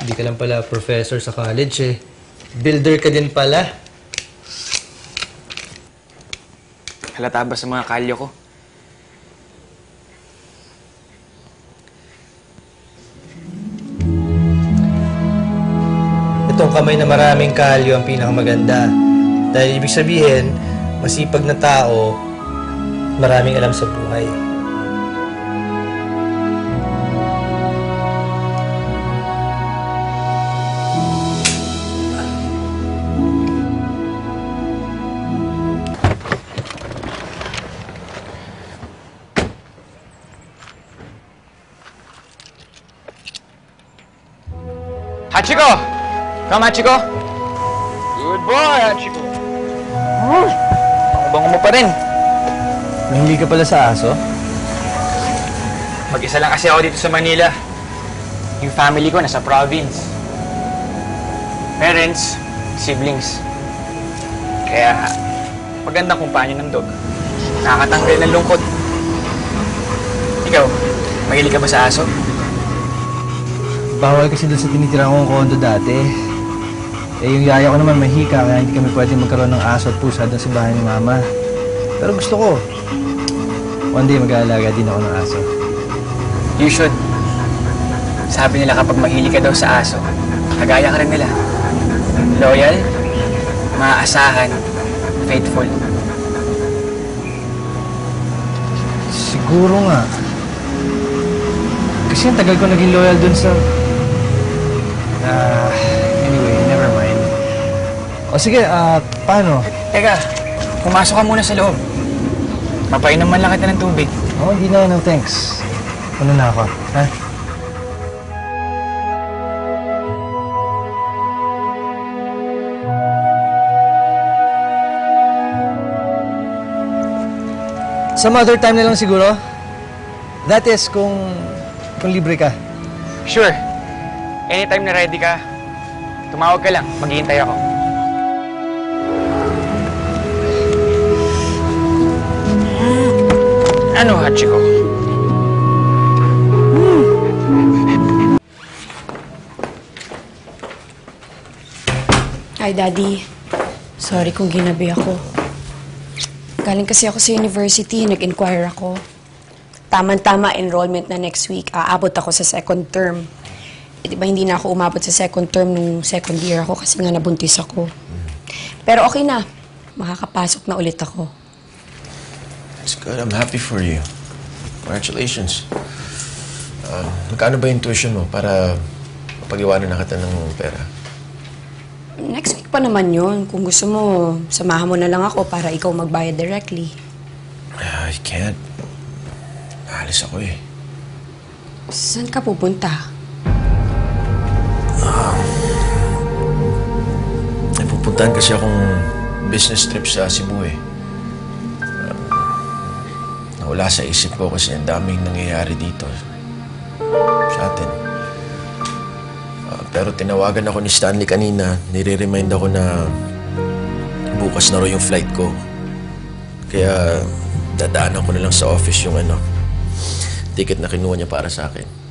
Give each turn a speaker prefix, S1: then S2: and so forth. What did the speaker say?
S1: Hindi ka lang pala professor sa college eh. Builder ka din pala.
S2: Halata ba sa mga kalyo ko?
S1: Itong kamay na maraming kalyo ang pinakamaganda. Dahil ibig sabihin, masipag na tao, maraming alam sa buhay.
S2: Hachiko! Come, Hachiko! Good boy, Hachiko! Bango mo pa rin.
S1: Nahili ka pala sa aso?
S2: Mag-isa lang kasi ako dito sa Manila. Yung family ko nasa province. Parents, siblings. Kaya, magandang kumpanyo ng dog. Nakakatanggal ng lungkot. Ikaw, mahilig ka ba sa aso?
S1: Bawal kasi doon sa tinitirang kong kondo dati. Eh, yung yaya ko naman mahika, kaya hindi kami pwede magkaroon ng aso at pusa doon sa bahay ni Mama. Pero gusto ko. One day mag-aalaga din ako ng aso.
S2: You should. Sabi nila kapag mahilig ka daw sa aso, kagaya ka rin nila. Loyal, maaasahan, faithful.
S1: Siguro nga. Kasi ang tagal ko naging loyal doon sa... anyway, never mind. O sige, paano?
S2: Teka, pumasok ka muna sa loob. Papainom man lang kita ng tubig.
S1: Oo, hindi na, no thanks. Ano na ako, ha? Some other time na lang siguro. That is, kung libre ka.
S2: Sure. Anytime na ready ka, tumawag ka lang. Maghihintay ako. Ano, Hachiko?
S3: Hi, Daddy. Sorry kung ginabi ako. Galing kasi ako sa university, nag-inquire ako. Tama-tama enrollment na next week. Aabot ako sa second term. Eh, di ba hindi na ako umabot sa second term nung second year ako kasi nga nabuntis ako. Pero okay na. Makakapasok na ulit ako.
S4: That's good. I'm happy for you. Congratulations. Magkano ba yung tuition mo para mapag-iwanan na kita ng pera?
S3: Next week pa naman yun. Kung gusto mo, samahan mo na lang ako para ikaw magbayad directly.
S4: I can't. Alis ako eh.
S3: Saan ka pupunta?
S4: May pupuntahan kasi akong business trip sa Cebu eh. Nawala sa isip ko kasi ang daming nangyayari dito sa atin. Pero tinawagan ako ni Stanley kanina. Nire-remind ako na bukas na raw yung flight ko. Kaya dadaanan ko na lang sa office yung ticket na kinuha niya para sa akin.